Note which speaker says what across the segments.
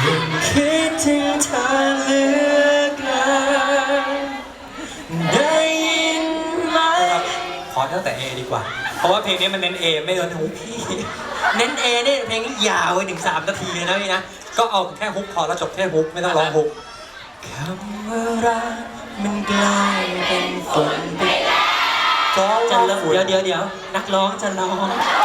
Speaker 1: คิดถึงเธอเหลือเกินได้ยินไหมขอตั้งแต่ A ดีกว่าเพราะว่าเพลงนี้มันเน้น A ไม่เน้นฮุกพี่เน้น A นี่เพลงนี้ยาวไปถึง3 นาทีเลยนะพี่นะก็เอาแค่ฮุกพอแล้วจบแค่ฮุกไม่ต้องร้องฮุกคำว่ารักมันกลายเป็นฝนไปจะเดี๋ยวนักร้องจะร้อง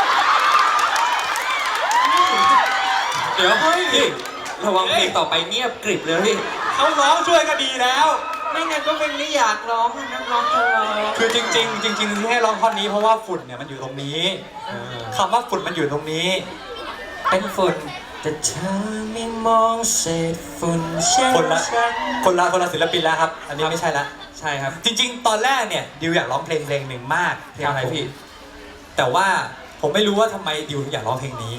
Speaker 2: เดี๋ยวพี่ระวังเพลงต่อไปเงียบกริบเลยพี่
Speaker 1: เขาร้องช่วยก็ดีแล้วไม่งั้นก็เป็นไม่อยากร้องนักร้องจะร้องคือจริงที่ให้ร้องท่อนนี้เพราะว่าฝุ่นเนี่ยมันอยู่ตรงนี้คำว่าฝุ่นมันอยู่ตรงนี้เป็นฝุ่นแต่เธอไม่มองเศษฝุ่นเช่นฉันคนละศิลปินแล้วครับอันนี้ไม่ใช่ละ
Speaker 2: ใช่ครับ
Speaker 1: จริงๆตอนแรกเนี่ยดิวอยากร้องเพลงหนึ่งมาก
Speaker 2: เพลงอะไรพี่
Speaker 1: แต่ว่าผมไม่รู้ว่าทำไมดิวอยากร้องเพลงนี้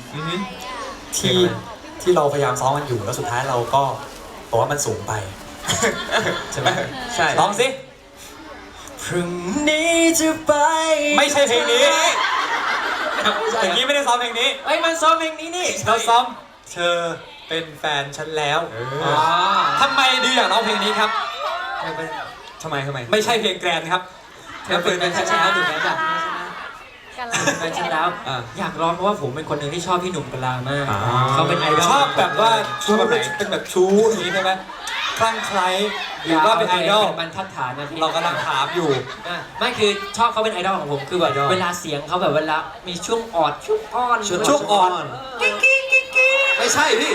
Speaker 1: ที่เราพยายามซ้อมมันอยู่แล้วสุดท้ายเราก็บอกว่ามันสูงไปใช่ไหม
Speaker 2: ใช่
Speaker 1: ร้องสิพรุ่งนี้จะไปไม่ใช่เพลงนี้เพลงนี้ไม่ได้ซ้อมเพลงนี้
Speaker 2: เอ้ยมันซ้อมเพลงนี้นี่
Speaker 1: เราซ้อมเธอเป็นแฟนฉันแล้วทำไมดิวอยากร้องเพลงนี้ครับ
Speaker 2: ทำไม
Speaker 1: ไม่ใช่เพลงแกรนครับ
Speaker 2: เธอเป็นแฟนฉันแล้วถูกไหมจ๊ะแฟนฉันแล้วอยากร้องเพราะว่าผมเป็นคนหนึ่งที่ชอบพี่หนุ่มกลามากเขาเป็นไอดอล
Speaker 1: ชอบแบบว่าชู้แบบไหนเป็นแบบชู้อย่างนี้ใช่ไหมคลั่งไคล้หรือว่าเป็นไอดอล
Speaker 2: บรรทัดฐานนะพี่
Speaker 1: เรากำลังถามอยู่
Speaker 2: ไม่คือชอบเขาเป็นไอดอลของผมคือแบบเวลาเสียงเขาแบบเวลามีช่วงออดช่วงอ้อน
Speaker 1: ช่วงอ่อน
Speaker 2: ไม่ใช่พี่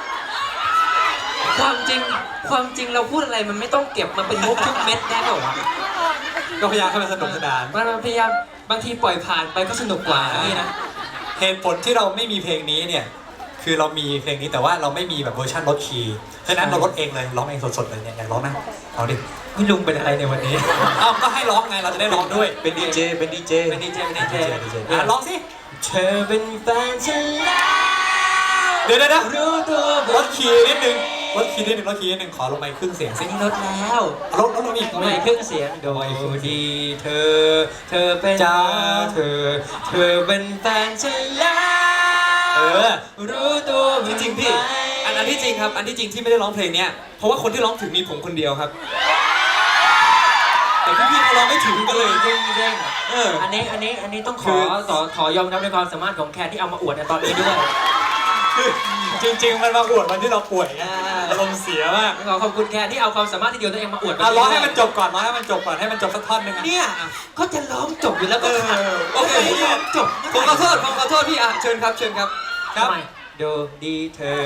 Speaker 2: ความจริงเราพูดอะไรมันไม่ต้องเก็บมาเป็นมุกทุกเม็ดได้หรอวะ
Speaker 1: ก็พยายามให้มันสนุกสนาน
Speaker 2: มันพยายามบางทีปล่อยผ่านไปก็สนุกกว่านี่นะ
Speaker 1: เหตุผลที่เราไม่มีเพลงนี้เนี่ยคือเรามีเพลงนี้แต่ว่าเราไม่มีแบบเวอร์ชันลดคีย์ฉะนั้นเราลดเองเลยร้องเองสดๆเลยเนี่ยอยากร้องนะเอาดิ
Speaker 2: พี่ลุงเป็นอะไรในวันนี้
Speaker 1: ก็ให้ร้องไงเราจะได้ร้องด้วย
Speaker 2: เป็นดีเจ
Speaker 1: ร้องสิ
Speaker 2: เธอเป็นแฟนฉัน
Speaker 1: เดี๋ยวรู้ตัวลดคีย์นิดนึงขอลงไปครึ่งเสียง
Speaker 2: สิลดแล้ว
Speaker 1: ลดอีก
Speaker 2: ไม่ครึ่งเสียงโดยดีเธอเป็น
Speaker 1: จ้า
Speaker 2: เธอเป็นแฟนฉันแล้วรู้ตัว
Speaker 3: จริงพี่อันที่จริงครับอันที่จริงที่ไม่ได้ร้องเพลงเนี้ยเพราะว่าคนที่ร้องถึงมีผมคนเดียวครับแต่พี่เขาร้องไม่ถึงกันเลย
Speaker 2: จริงอันนี้ต้องขอยอมรับในความสามารถของแคนที่เอามาอวดในตอนนี้ด้วย
Speaker 1: จริงมันมาอวดวันที่เราป่วยอารมณ์เสียมาก
Speaker 2: ขอบคุณแคนที่เอาความสามารถที่เดียวตัวเองมาอวด
Speaker 1: ร้องให้มันจบก่อนให้มันจบสักท่อนนึง
Speaker 2: เนี่ยก็จะร้องจบอยู่แล้วก็
Speaker 3: โอเค
Speaker 2: จบ
Speaker 3: ผมขอโทษพี่เชิญครับ
Speaker 2: ครับดูดีเธอ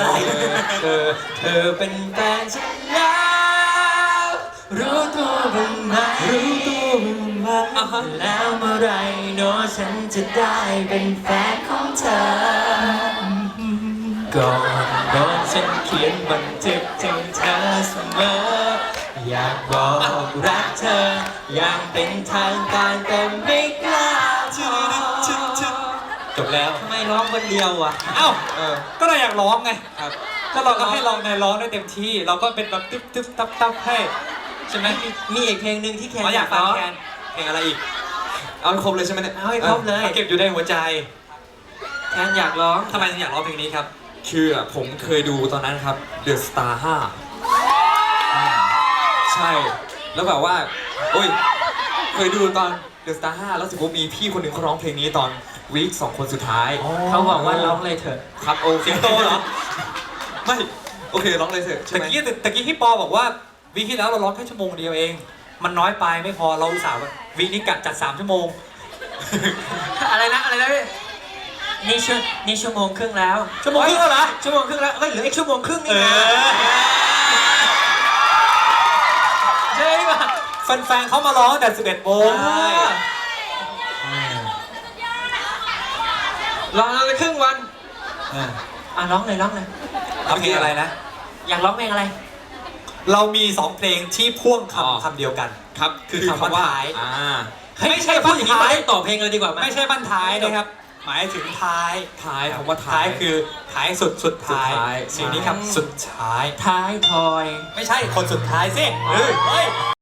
Speaker 2: เป็นแฟนฉันแล้วรู้ตัวบ้างไหมแล้วเมื่อไรโน้ฉันจะได้เป็นแฟนของเธอก่อนฉันเขียนบันทึกถึงเธอเสมออยากบอกรักเธออย่างเป็นทางการแต่ไม่กล้า
Speaker 1: จบแล้ว
Speaker 2: ทำไมร้องคนเดียวอ่ะ
Speaker 1: ก็เราอยากร้องไงก็เราก็ให้เราในร้องได้เต็มที่เราก็เป็นแบบตึ๊บตับให้ใช่ไหม
Speaker 2: มีอีกเพลงหนึ่งที่แคน
Speaker 1: อยากฟังแคนเพลงอะไรอีก
Speaker 3: เอาให้ครบเลยใช่ไหมเนี่ย
Speaker 2: เอาให้ครบเลย
Speaker 1: เก็บอยู่ในหัวใจ
Speaker 2: แคนอยากร้อง
Speaker 1: ทำไมถึงอยากร้องเพลงนี้ครับ
Speaker 3: คือผมเคยดูตอนนั้นครับ The Star 5ใช่แล้วแบบว่าเคยดูตอน The Star 5แล้วสิผมมีพี่คนหนึ่งเขาร้องเพลงนี้ตอนวีค2 คนสุดท้าย
Speaker 2: เขาบอกว่าร้องเลยเถอะ
Speaker 3: ครับโอเค
Speaker 1: โตเหรอ
Speaker 3: ไม่โอเคร้องเลยเถอะ
Speaker 1: ตะกี้พี่ปอบอกว่าวีคที่แล้วเราร้องแค่ชั่วโมงเดียวเองมันน้อยไปไม่พอเราอุตส่าห์วีคนี้กะจัด3 ชั่วโมง
Speaker 2: อะไรนะพี่นี่ชั่วโมงครึ่งแล้ว
Speaker 1: ชั่วโมงครึ่งแล้วเหรอ
Speaker 2: ชั่วโมงครึ่งแล้วเหลืออีกชั่วโมงครึ่งนี่นะใช่ป่ะ
Speaker 1: แฟนๆเขามาร้องแต่11 โมง
Speaker 2: ร้องเลยครึ่งวันร้องเลย
Speaker 1: เอาเพลงอะไรนะ
Speaker 2: อยากร้องเพลงอะไร
Speaker 1: เรามี2 เพลงที่พ่วงคำเดียวกัน
Speaker 3: ครับ
Speaker 1: คือคำว่าท้าย
Speaker 2: ไม่ใช่บ้านท้ายต่อเพลงเลยดีกว่า
Speaker 1: ไม่ใช่บ้านท้ายนะครับหมายถึงท้าย
Speaker 3: คำว่าท้าย
Speaker 1: คือท้ายสุดท้ายสิ่งนี้ครับสุดท้าย
Speaker 2: ท้ายทอย
Speaker 1: ไม่ใช่คนสุดท้ายสิเฮ้ย